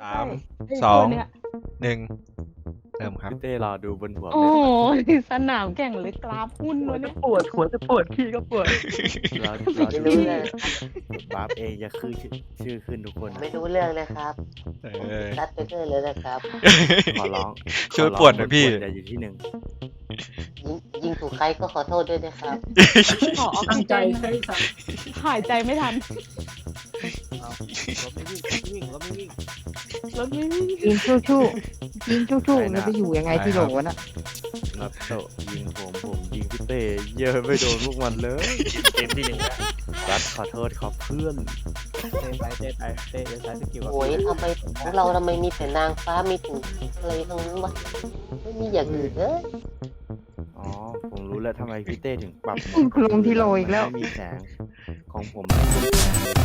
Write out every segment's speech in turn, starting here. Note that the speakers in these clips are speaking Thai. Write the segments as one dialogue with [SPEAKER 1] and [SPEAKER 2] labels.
[SPEAKER 1] 3
[SPEAKER 2] ไอ้
[SPEAKER 1] สอ
[SPEAKER 2] ตัว
[SPEAKER 1] ง
[SPEAKER 2] เนี้ย
[SPEAKER 1] 1เริ่มครับ
[SPEAKER 3] พี่เต้รอดูบนหัว
[SPEAKER 2] โอ้ยสนามแข่งหรือกราฟหุ้นวะเนี่ย
[SPEAKER 4] ปวดหัวจะปวดขี้ก็ปวด
[SPEAKER 3] รอ
[SPEAKER 5] ไม่
[SPEAKER 3] ดู
[SPEAKER 5] รู้เลย
[SPEAKER 3] บาฟเองจะขึ้นชื่อขึ้นทุกคนนะ
[SPEAKER 5] ไม่รู้เรื่องเลยครับ
[SPEAKER 1] เออ
[SPEAKER 5] รัดไปเรื่อยเลยนะครับ
[SPEAKER 3] ขอร้อง
[SPEAKER 1] ช่วยปวดหน่อยพี่
[SPEAKER 3] อย่าอยู่ที่หนึ่ง
[SPEAKER 5] ยิงถูกใครก็ขอโทษด้วยนะครับ
[SPEAKER 2] ขอออก
[SPEAKER 4] ตั้ง
[SPEAKER 2] ซิ
[SPEAKER 4] ใจ
[SPEAKER 2] เจน
[SPEAKER 4] ใช่สัตว์
[SPEAKER 2] หายใจไม่ทัน
[SPEAKER 3] รถไม่วิ่งรถไม่วิ่ง
[SPEAKER 2] รถไม่วิ่ง
[SPEAKER 6] ยิงชู่ๆยิงชู่ๆมันไปอยู่ยังไงที่โหลวะน่ะ
[SPEAKER 3] นัดโตะยิงผมยิงพี่เต้เยอะไม่โดนพวกมันเลย
[SPEAKER 4] เกมที่หนึ่งนะ
[SPEAKER 3] รัดขอโทษครับเพื่อน
[SPEAKER 4] เต้ไปจะใช้สกิลกับ
[SPEAKER 5] โอ้ยทำไมของเราทำไมมีแต่นางฟ้ามีถึงอะไรตรงนั้นวะไม่มีอย่างอื่นเลย
[SPEAKER 3] อ๋อผมรู้แล้วทำไมพี่เต้ถึงปรับ
[SPEAKER 6] คุณลงที่โหลอีกแล้ว
[SPEAKER 3] ไม่มีแสงของผมไม่มีแสงเลย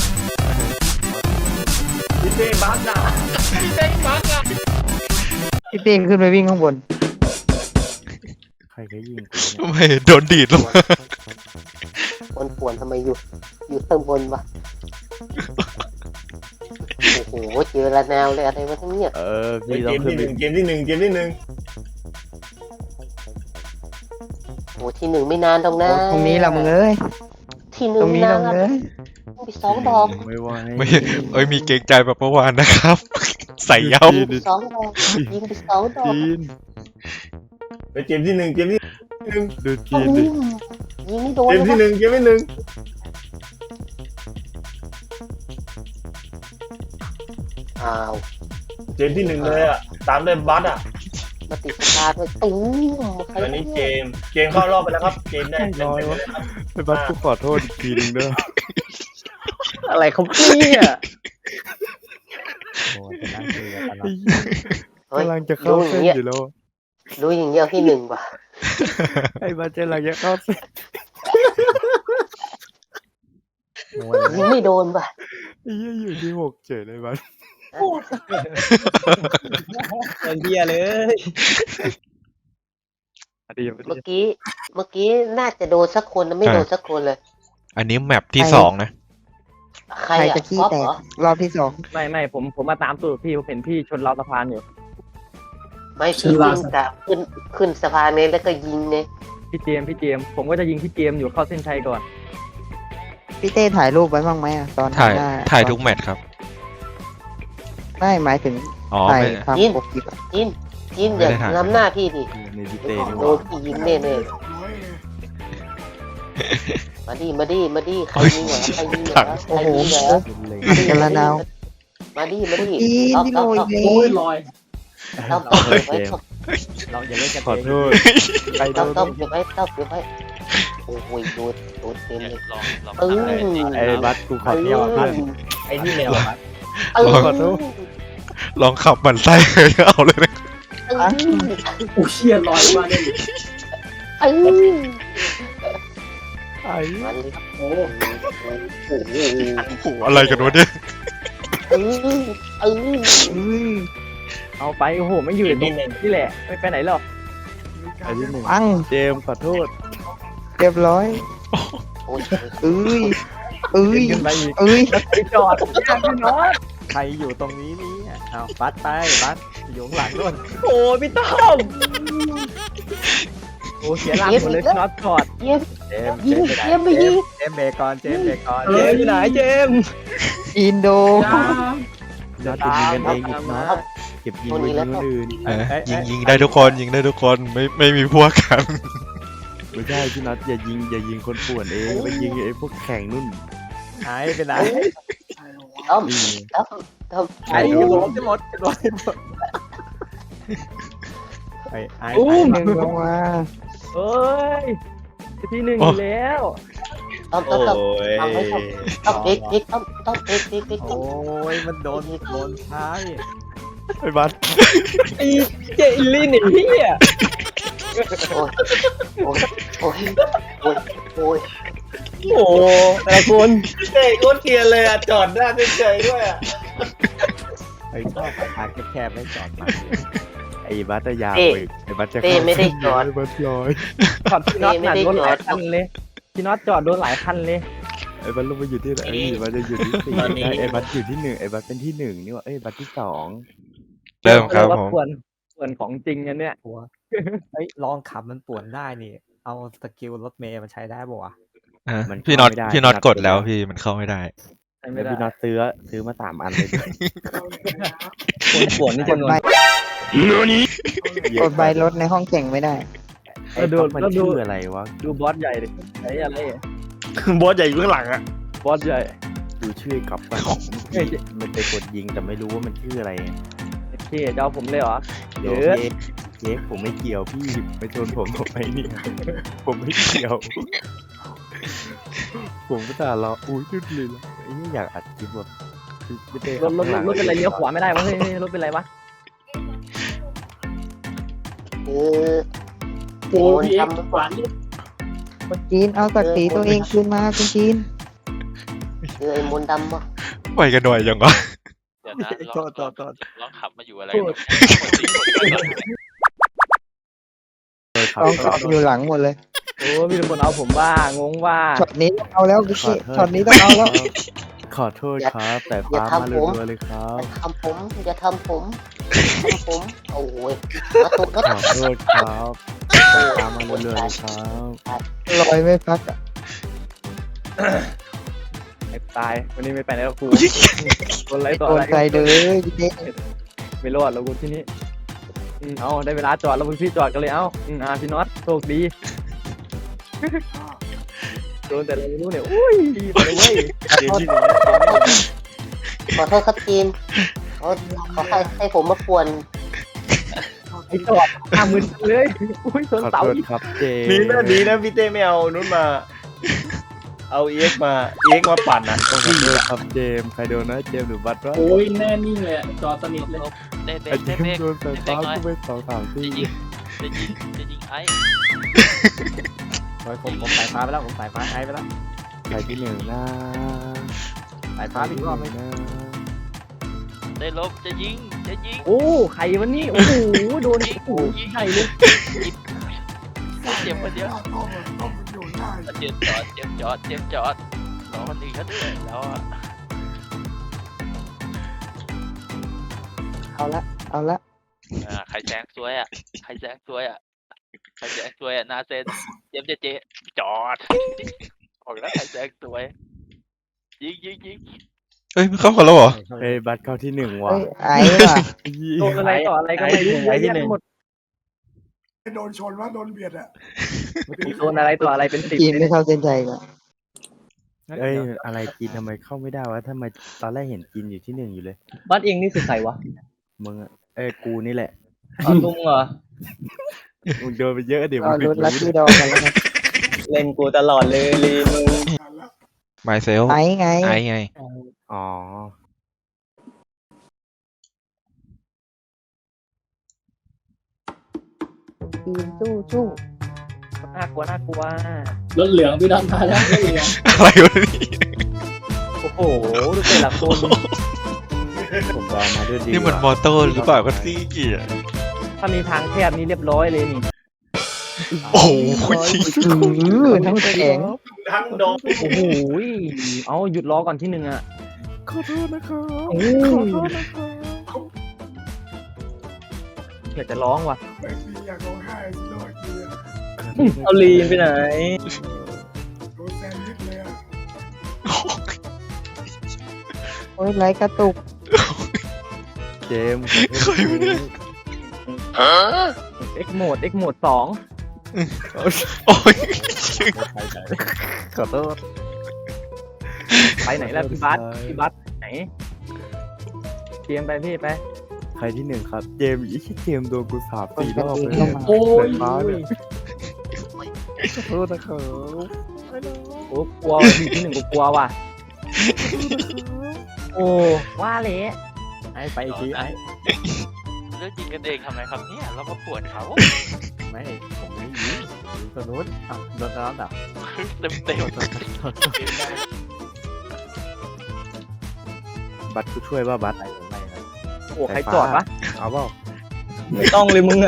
[SPEAKER 4] พี่เต้บักอ่ะพี่เต้บักอ่ะ
[SPEAKER 6] พี่เต้ขึ้นไปวิ่งข้างบน
[SPEAKER 3] ใครก็ยิงกู
[SPEAKER 1] ทำไมโดนดีดลงมา
[SPEAKER 5] ปวนทำไมอยู่ข้างบนวะโอ้โหเจอละแนวเลยอะไรวะทั้งเนี่ย
[SPEAKER 3] พี่
[SPEAKER 4] เก
[SPEAKER 3] ต้อง
[SPEAKER 4] ม
[SPEAKER 3] ขึ้
[SPEAKER 4] ที่
[SPEAKER 3] น
[SPEAKER 4] ห
[SPEAKER 3] ไป
[SPEAKER 4] นึ่งเกมที่หนึ่ง
[SPEAKER 5] โอ้ที่หนึ่งไม่นานตรงนะ
[SPEAKER 6] ตรงนี้ละมึงเอ้ย
[SPEAKER 5] ที่ห
[SPEAKER 6] ต
[SPEAKER 5] นึ่
[SPEAKER 6] รง งนี้
[SPEAKER 5] นา
[SPEAKER 6] ละ
[SPEAKER 5] น
[SPEAKER 6] มึงเอ้ย
[SPEAKER 5] ไปสองดอก
[SPEAKER 3] ไม่ไหว
[SPEAKER 1] ไม่เอ้ยมีเกรงใจแบบเมื่อวานนะครับ ใส่เย้า
[SPEAKER 5] ยิงไปสองดอกยิงไปสองดอก
[SPEAKER 3] จีน
[SPEAKER 4] ไปเกมที่หนึ่ง
[SPEAKER 3] ดูจี
[SPEAKER 5] โอ้
[SPEAKER 3] นดิ
[SPEAKER 5] ยยิงไม่โดน
[SPEAKER 4] เกม
[SPEAKER 5] เล
[SPEAKER 4] ที่
[SPEAKER 5] ย
[SPEAKER 4] หนึ่งเกมที่หนึ่ง
[SPEAKER 5] อ้าว
[SPEAKER 4] เกมที่หนึ่งเลยอ่ะตามด้วยบัสอ่ะ
[SPEAKER 5] มาติดสตาร์ทด้วยตุ้มใคร
[SPEAKER 4] ตอนนี้เกมเข้ารอบไปแล้วครับเกมได้เป็นไปแล้วครับ
[SPEAKER 3] ไปบัสกูขอโทษอีกทีนึงเด้อ
[SPEAKER 4] อะไรเขาเนี่ย
[SPEAKER 3] โอ้ยจะนั่งคุยกันตลอด
[SPEAKER 5] เฮ้ย
[SPEAKER 3] กำลังจะเข้า
[SPEAKER 5] รู้อ
[SPEAKER 3] เส้
[SPEAKER 5] ย่าน งเงี้ย
[SPEAKER 3] อยู่แล้ว
[SPEAKER 5] รู้อย่างเงี้ยที่หนึ่งว่ะ
[SPEAKER 3] ไอ้บัสกำลังจะเข้าเส้น
[SPEAKER 5] ยิงไม่โดนว่ะ
[SPEAKER 3] ไอ้เหี้ยอยู่ที่หกเฉยเลยบัส
[SPEAKER 4] เป็นเบียเลย
[SPEAKER 3] ดี
[SPEAKER 5] เมื่อกี้น่าจะโดนสักคนนะไม่โดนสักคนเลย
[SPEAKER 1] อันนี้แมปที่2นะ
[SPEAKER 5] ใคร
[SPEAKER 6] ใคร
[SPEAKER 5] อ่ะ
[SPEAKER 6] จะขี้
[SPEAKER 5] ก๊อฟ
[SPEAKER 6] แต
[SPEAKER 5] เห
[SPEAKER 6] ก
[SPEAKER 5] รอ
[SPEAKER 6] รอบที่สอง
[SPEAKER 4] ไม่ผมมาตามตูดพี่ผมเห็นพี่ชนราวสะพานอยู่
[SPEAKER 5] ไม่พี่วิ่งกะขึ้นสะพานนี้แล้วก็ยิงไง
[SPEAKER 4] พี่เจมส์ผมก็จะยิงพี่เจมส์อยู่เข้าเส้นชัยก่อน
[SPEAKER 6] พี่เต้ถ่ายรูปไว้บ้างไหมอะตอน
[SPEAKER 1] ถ่าย
[SPEAKER 6] หน้
[SPEAKER 1] ถ่ายทุกแมตช์ครับ
[SPEAKER 6] ไม่หมายถึง
[SPEAKER 1] อ๋อ
[SPEAKER 6] ถ่าย
[SPEAKER 1] ไม่
[SPEAKER 6] ทำปกคลิปอะ
[SPEAKER 5] ยินอย่า
[SPEAKER 1] ไม่ได้ถ่าย
[SPEAKER 5] ล้ำหน้าพี่ดิ
[SPEAKER 3] ในพี่เต้นี่ห
[SPEAKER 5] โด
[SPEAKER 3] ว่าน
[SPEAKER 5] พี่ยิงแน่ๆมาดิใครยิงเหรอใครยิงเหรอใครยิงเหรอ
[SPEAKER 6] กันละนาว
[SPEAKER 5] มาดิ
[SPEAKER 6] จีนที่โหลอีกแล้ว
[SPEAKER 4] ลอย
[SPEAKER 5] ต้องเก็บไว้ต้อง
[SPEAKER 4] เราอย่าเล่นกัน
[SPEAKER 3] ขอโทษใครโด
[SPEAKER 5] ต้อง
[SPEAKER 3] น
[SPEAKER 5] เก็บไว้โอ้ยโดนเต็มเลย
[SPEAKER 3] ไอ้บัสกูขอโทษเพื่อน
[SPEAKER 4] ไอ้นี่แนว
[SPEAKER 3] ขอโทษ
[SPEAKER 1] ลองขับมันไส้เลยเอาเลยนะ
[SPEAKER 4] กูเชียร์ลอยมาเนี่ย
[SPEAKER 3] ไอ้
[SPEAKER 4] โอ้
[SPEAKER 1] โอ้โหอะไรกันวะเนี่ย
[SPEAKER 4] เอาไปโอ้โหไม่อยู่ในตรงนี่แหละไม่ไปไหนหรอก
[SPEAKER 3] ไอ้ที่หนึ่ง
[SPEAKER 6] ปัง
[SPEAKER 3] เจมส์ขอโทษ
[SPEAKER 6] เรียบร้อยเอ้ยเอ้ย
[SPEAKER 4] ขึ้นไปอีก
[SPEAKER 6] เอ้ย
[SPEAKER 4] ไปจอดพี่น้อง
[SPEAKER 3] ใครอยู่ตรงนี้เนี่ยเอาบัสไปบัสอยู่ข้างหลังนู่น
[SPEAKER 4] โอ้พี่ต้อมโอ้เสียหลักหมดเลยพี่น็อตจอด
[SPEAKER 5] เย็บ
[SPEAKER 3] เจมส์
[SPEAKER 5] ยิง
[SPEAKER 3] ไปไหน
[SPEAKER 5] เย็บไปยิง
[SPEAKER 3] เจมส์เบรกก่อนเจมส์เบรกก่อน
[SPEAKER 4] เจมส์อยู่ไหนเจมส์
[SPEAKER 6] อินโด
[SPEAKER 3] น็อตจะยิงกันเองอีกนะเก็บยิงไว้ยิงคนอื่น
[SPEAKER 1] ยิงได้ทุกคนยิงได้ทุกคนไม่มีพวกกัน
[SPEAKER 3] ไม่ใช่พี่น็อตอย่ายิงคนป่วนเองไปยิงไอ้พวกแข่งนู่นหายไปไหน
[SPEAKER 5] ต้อม
[SPEAKER 3] นี่
[SPEAKER 5] ต้อม
[SPEAKER 4] ไอ้จะหมดจะหมดจะหมด
[SPEAKER 3] ไอ้
[SPEAKER 6] หนึ่งลงมา
[SPEAKER 4] เอ้ยที่หนึ่งอยู่แล้ว
[SPEAKER 5] ต้อมทำให้ต้องเด็กต้องเด็ก
[SPEAKER 3] โอ้ยมันโดนท้ายไอ้บัส
[SPEAKER 4] ไอ้เจอิลลี่หนีพี่อ่ะ
[SPEAKER 5] โอ้ย
[SPEAKER 4] โอ้แต่ละคน
[SPEAKER 7] เฮ้ยโคตรเกลียดเลยอ่ะ จอดหน้าเฉยๆด้วยอ่ะ
[SPEAKER 3] ไอ้ชอบทางแคบๆไม่จอดมาไอ้บัสจะยาวอีกไอ้บัสจะ
[SPEAKER 5] เต้ไม่ได้จอด
[SPEAKER 3] ไอ้บัสลอย
[SPEAKER 4] จอดพี่น็อตเนี่ยโดนหลายคันเลยพี่น็อตจอดโดนหลายคันเลย
[SPEAKER 3] ไอ้บัตรลงมาอยู่ที่ไหนบัตรจะอยู่ที่สี่ไอ้บัตรอยู่ที่หนึ่งไอ้บัตรเป็นที่หนึ่งนี่ว่าเอ้ยบัตรที่สอง
[SPEAKER 1] เริ่มครับ
[SPEAKER 4] ว่า
[SPEAKER 1] ผม
[SPEAKER 4] ควรของจริงอันเนี้ย
[SPEAKER 8] เฮ้ยลองขับมันป่วนได้นี่ เอาสกิลรถเมย์มันใช้ได้ป่วะ
[SPEAKER 1] อ่ะพี่น็อตกดแล้วพี่มันเข้าไม่ได้
[SPEAKER 4] ใช่ไม่
[SPEAKER 3] แล้ว
[SPEAKER 4] ได้
[SPEAKER 3] พี่น็อตซื้อมา3 อันเลย
[SPEAKER 4] คนป่วนนี่
[SPEAKER 6] ก
[SPEAKER 4] จำ
[SPEAKER 6] ด
[SPEAKER 4] นวน
[SPEAKER 6] ใบกดใบรถในห้องแข่งไม่ได้
[SPEAKER 3] ไอ้บัตรมันชื่ออะไรวะ
[SPEAKER 4] ดูบอสใหญ่ดิไอ้อะไร
[SPEAKER 7] บอสใหญ่อยู่ข้างหลังอ่ะ
[SPEAKER 4] บอสใหญ่
[SPEAKER 3] ดูชื่อกับมันมันไปกดยิงแต่ไม่รู้ว่ามันชื่ออะไร
[SPEAKER 4] โอเคจะเอาผมเลยเหรอ
[SPEAKER 3] เดี๋ยวเจ๊ผมไม่เกี่ยวพี่ไปชนผมทำไมเนี่ยผมไม่เกี่ยว ผมก็แต่รออุ้ยจุดเลยไอ้นี่อยากอัดคลิปแบบไม่ได้
[SPEAKER 4] รถเป็นไรเลี้ยวขวาไม่ได้วะเฮ้ยรถเป็นไรวะ
[SPEAKER 5] คือ
[SPEAKER 9] พี่เอ็ก
[SPEAKER 5] ทำ
[SPEAKER 9] ขวานนี่
[SPEAKER 6] คุณจีนเอาศักดิ์ศรีตัวเองคืนมาคุณจีน
[SPEAKER 5] คือไอ้มนต์ดำวะ
[SPEAKER 1] ไปกันหน่อยยังวะ
[SPEAKER 10] เดี๋ยวนะลองขับมาอยู่อะไร
[SPEAKER 4] โทษ
[SPEAKER 6] เอาอยู่หลังหมดเลย
[SPEAKER 4] โอ้มีแต่คนเอาผมว่างงว่า
[SPEAKER 6] ช็อตนี้ต้องเอาแล้วพี่ช็อตนี้ต้องเอาแล้ว
[SPEAKER 3] ขอโทษครับแต่ฟ้ามาเรัวๆเลยครับ
[SPEAKER 5] อย่าทำผมโอ้ยมาตกรถ
[SPEAKER 3] ขอโทษครับแต่ฟ้ามาเรัวๆเลยครับ
[SPEAKER 6] ลอยไม่พักอ่ะ
[SPEAKER 4] ไอ้ตายวันนี้ไม่ไปไหนแล้วกูคนไรต่อ
[SPEAKER 6] โด
[SPEAKER 4] อะ
[SPEAKER 6] น
[SPEAKER 4] ไร
[SPEAKER 6] ใจเลยพี่เจ๊
[SPEAKER 4] ไม่รอดแล้วกูที่นี้เอาได้เวลาจอดแล้วพี่จอดกันเลยเอ้าพี่น็อตโชคดีโดนแต่เราไม่รู้เนี่ยอุ้ยไปเลยเว้ย
[SPEAKER 5] ขอโทษครับทีมเขาให้ผมมาป่วน
[SPEAKER 4] ไอ้จอด50,000เลยอุ้ยชน
[SPEAKER 3] ขอ
[SPEAKER 4] เสา
[SPEAKER 3] โทษ
[SPEAKER 4] อีก
[SPEAKER 3] ครับเจ
[SPEAKER 7] ดีนะพี่เต้ไม่เอานู้นมา เอาเอ็กมาปั่นอ่ะ
[SPEAKER 3] ขอโทษครับเจมส์ใครโดนนะเจมส์หรือบัตรวะ
[SPEAKER 9] โอ้ยแน่นิ่งเลยอะจอสนิทเลย
[SPEAKER 10] เด็ก
[SPEAKER 3] ไอ้เจ
[SPEAKER 10] เด็ก
[SPEAKER 3] มส์โดนไฟฟ้ากูไป2-3 ที่
[SPEAKER 10] จะยิงไอ้
[SPEAKER 8] ผมสายฟ้าไปแล้วผมสายฟ้าไอ้ไปแล้ว
[SPEAKER 3] ใครที่หนึ่งนะ
[SPEAKER 8] สายฟ้าอีกรอบนึง
[SPEAKER 3] นะ
[SPEAKER 10] ได้ลบจะยิง
[SPEAKER 4] โอ้ใครวันนี้โอ้โหโดนโอ้โหใหญ่เลย
[SPEAKER 10] เจ็บคนเดียวเจ็บจอดรอคนอื่นเขาด้วยแล้ว
[SPEAKER 6] เอาละ
[SPEAKER 10] ใครแซงซวยอ่ะหน้าเส้นเจจอดออกแล้วใครแซงซวยยิง
[SPEAKER 1] เฮ้ยมันเข้ากันแล้วเหรอ
[SPEAKER 3] เฮ้ยบัตรเข้าที่หนึ่งว่ะ
[SPEAKER 6] เฮ้ยไอ้ว่ะ
[SPEAKER 4] โดนอะไรต่ออะไรก็ไม่รู้เยอะแยะไปหมด
[SPEAKER 9] โดนชนว่าโดนเบียดอ่ะ
[SPEAKER 4] โดนอะไรต่ออะไรเป็น10
[SPEAKER 6] จีนไม่เข้าเส้นใจก่อน
[SPEAKER 3] เอ้ยอะไรกินทำไมเข้าไม่ได้วะทำไมตอนแรกเห็นกินอยู่ที่หนึ่งอยู่เลย
[SPEAKER 4] บ้านเองนี่คือใครวะ
[SPEAKER 3] มึงอะกูนี่แหละ
[SPEAKER 4] ลุงเหรอ
[SPEAKER 3] มึงโดนไปเยอะเดี๋ยว
[SPEAKER 6] รอ
[SPEAKER 3] มึง
[SPEAKER 6] รุ้นลัคกี้ดอกันแล้วกัน
[SPEAKER 4] เล่นกูตลอดเลยลีมึง
[SPEAKER 1] ไมเซล
[SPEAKER 6] ไอ้ไง
[SPEAKER 1] ไอ้ไง
[SPEAKER 3] อ๋อ
[SPEAKER 6] จีนสู้
[SPEAKER 4] น่ากลัว
[SPEAKER 9] รถเหลืองพี่ดอนมาแล้วรถเหลือง
[SPEAKER 1] อะไรวะนี่
[SPEAKER 4] โอ้โหดูแต่ละคน
[SPEAKER 3] ผมรอมาด้วยดี
[SPEAKER 1] นี่มันมอเตอร์หรือเปล่าก็ซี่เกียร์
[SPEAKER 4] ถ้ามีทางแคบนี่เรียบร้อยเลยนี่
[SPEAKER 1] โอ้โหยิง
[SPEAKER 6] ทั้งแข็ง
[SPEAKER 7] ทั้งโดน
[SPEAKER 4] โอ้โหเอาหยุดล้อก่อนที่หนึ่งอ่ะ
[SPEAKER 3] ขอโทษนะครับ
[SPEAKER 4] โอ้อยากจะร้องว่ะ
[SPEAKER 9] ไม่มีอยากร้องไห้สิโดนเกียร์
[SPEAKER 4] เอาลีนไปไหน
[SPEAKER 9] โดนแซนด์วิชเลยอ่ะ
[SPEAKER 6] โอ้ยไรกระตุก
[SPEAKER 3] เจมส์
[SPEAKER 4] เอ็กโหมด2
[SPEAKER 1] โอ้ย
[SPEAKER 3] ขอโทษ
[SPEAKER 4] ไปไหนแล้วพี่บัสไหนเตรียมไปพี่ไป
[SPEAKER 3] ใครที่หนึ่งครับ เจมส์เจมส์โดนกู3-4 รอบเลย
[SPEAKER 9] โอ้ย
[SPEAKER 3] ฟ้าเนี่ยขอโทษนะครับ
[SPEAKER 4] โอ้กลัวอยู่ที่หนึ่งกูกลัวว่ะโอ้ว่าเละไอ้ไปอีกทีไอ้
[SPEAKER 10] เรื่องยิงกันเองทำไมครับเนี่ยเรามาปวดเขา
[SPEAKER 8] ไม่ผมไม่ยิงตัวนู้นอ่ะโดนแล้วดับ
[SPEAKER 10] เต็ม
[SPEAKER 3] บัตรกูช่วยว่าบัตร
[SPEAKER 8] ไม่นะ
[SPEAKER 4] โอ้ใครจอดวะ
[SPEAKER 3] เอาเปล่า
[SPEAKER 4] ไม่ต้องเลยมึงอะ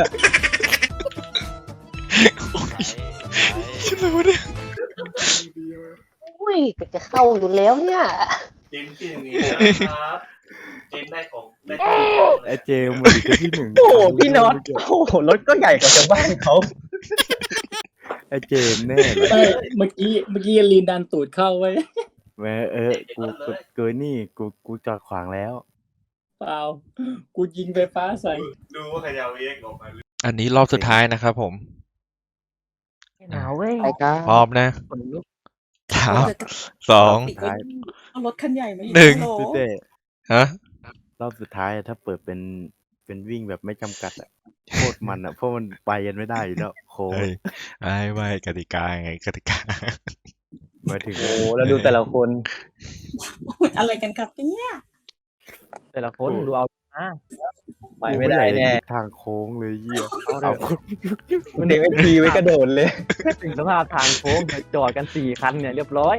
[SPEAKER 1] ชิบเลยวะเนี่ย
[SPEAKER 9] ดีเลย
[SPEAKER 5] อุ้ยยจะเข้าอยู่แล้วเนี่ย
[SPEAKER 7] เจมส์ที่อย่างนี้นะครับเจมส์ได้ของได้
[SPEAKER 3] ไอ้เจมส์มาดิที่หนึ่ง
[SPEAKER 4] โอ้โหพี่น็อตโอ้โหรถก็ใหญ่กว่าชาวบ้านเขา
[SPEAKER 3] ไอ้เจมส์แน่เลย
[SPEAKER 9] ไม่เมื่อกี้ลีนดันตูดเข้าไว้
[SPEAKER 3] แม่กูเกินนี่กูจอดขวางแล้ว
[SPEAKER 9] เปล่า กูยิงไฟฟ้าใส่
[SPEAKER 7] ดูว่าใครจะเอาเอ็กออกมา
[SPEAKER 1] อันนี้รอบสุดท้ายนะครับผม
[SPEAKER 4] หนาวเว้ย
[SPEAKER 6] ไปกัน
[SPEAKER 1] พร้อมนะ
[SPEAKER 4] คนลุก
[SPEAKER 1] สามสอง
[SPEAKER 3] ท้าย
[SPEAKER 2] เอารถคันใหญ่มาอีก
[SPEAKER 1] หนึ่ง
[SPEAKER 2] ฮัลโหล
[SPEAKER 3] พี่เต้
[SPEAKER 1] ฮะ
[SPEAKER 3] รอบสุดท้ายถ้าเปิดเป็นวิ่งแบบไม่จำกัดอะโคตรมันอะเพราะมันไปกันไม่ได้อยู่แล้วโค้ง
[SPEAKER 1] เฮ้ยไม่กติกาไงกติกา
[SPEAKER 3] มาถึง
[SPEAKER 4] โอ้โหแล้วดูแต่ละคน
[SPEAKER 2] อะไรกันครับเนี่ย
[SPEAKER 4] แต่ละคนดูเอาไปไม่ได้แน่
[SPEAKER 3] ทางโค้งเลยเยี่ย
[SPEAKER 4] เอามันเด็กไอทีไว้กระโดดเลย ถึงสภาพทางโค้งจอดกัน4 คันเนี่ยเรียบร้อย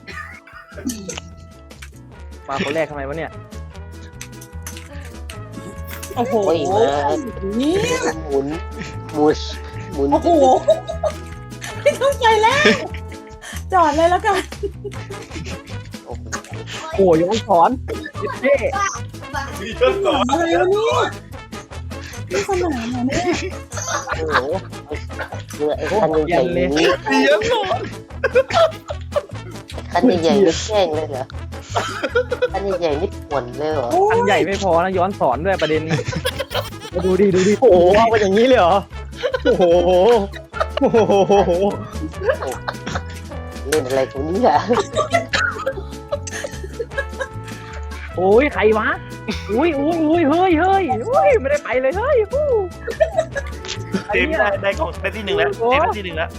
[SPEAKER 4] มาคนแรกทำไมวะเนี่ย
[SPEAKER 2] โอ้โห
[SPEAKER 5] โอ้ยมา
[SPEAKER 2] นี่
[SPEAKER 5] หมุนหมุน
[SPEAKER 2] โอ้โหไม่เข้าใจแล้ว จอดเลยแล้วกัน
[SPEAKER 4] โอ้ยย้อนสอนเท่
[SPEAKER 2] อะไรวะเนี่ยนี่สนามเหรอเนี่ย
[SPEAKER 5] โอ้โหคือไอ้คันใหญ่ๆนี้คันใหญ่ๆนี่แกล้งเลยเหรอคันใหญ่ๆนี่ป่วนเลยเหรอ
[SPEAKER 4] คันใหญ่ไม่พอนะย้อนสอนด้วยประเด็นมาดูดิโอ้โหเอาไปอย่างนี้เลยเหรอโอ้โหโอ้โห
[SPEAKER 5] เล่นอะไรตรงนี้อ่ะ
[SPEAKER 4] โอ้ยใครวะอุ้ยเฮ้ยไม่ได้ไปเลยเฮ้ย
[SPEAKER 7] เจมส์ได้ของได้ที่หนึ่งแล้วเจมส์ได้ที่หนึ่งแล้ว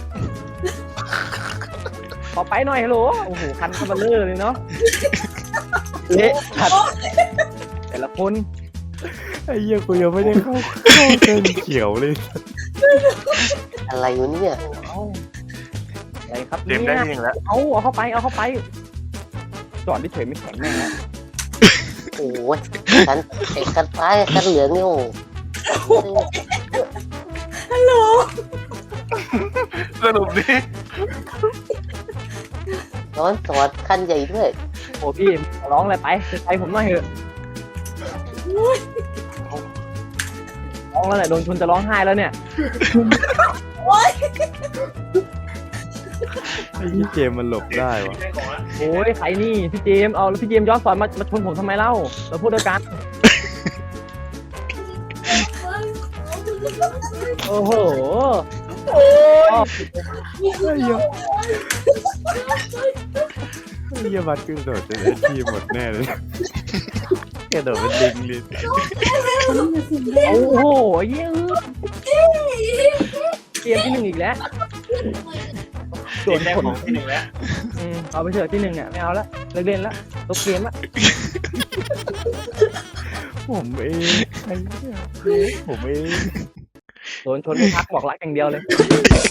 [SPEAKER 4] ขอไปหน่อยฮัลโหลโอ้โหคันคันเบลเลอร์เลยเนาะเละขัดแต่ละคน
[SPEAKER 3] ไอ้เหี้ยกูยังไม่ได้เข้าเส้นเขียวเลย
[SPEAKER 5] อะไรอยู่เนี่ย
[SPEAKER 4] อะไรครับ
[SPEAKER 7] เจมส์ได้ที่หนึ่งแล้ว
[SPEAKER 4] เอาเข้าไปจอดเฉยไม่แข็งแน่นะ
[SPEAKER 5] โอ้ยคันไอ้คันฟ้าคันเหลืองนี่โอ้
[SPEAKER 2] ฮัลโหล
[SPEAKER 7] สรุปนี่
[SPEAKER 5] ย้อนสอนคันใหญ่ด้วย
[SPEAKER 4] โอ้พี่ร้องอะไรไปผมหน่อยเถอะร้องแล้วเนี่ยโดนชนจะร้องไห้แล้วเนี่ย
[SPEAKER 3] ไอ้ที่เจมส์มันหลบได้วะ
[SPEAKER 4] โอ้ยใครนี่พี่เจมส์เอาแล้วพี่เจมส์ย้อนสอนมาชนผมทำไมเล่าเราพูดด้วยกันโอ้โห
[SPEAKER 3] ไอ้เหี้ยบัตรกระโดดจะได้ทีมหมดแน่เลยกระโดดเป็นลิงเลย
[SPEAKER 4] โอ้โหเยอะเกมที่ 1อีกแล้ว
[SPEAKER 7] เจมส์ได้ของที่หนึ่งแล้ว
[SPEAKER 4] เอาไปเถอะที่ 1เนี่ยไม่เอาละเลิกเล่นละลบเกมละ
[SPEAKER 3] ผมเองไอ้เหี้ยผมเอง
[SPEAKER 4] โดนชนไม่พักบอกรักอย่างเดียวเลย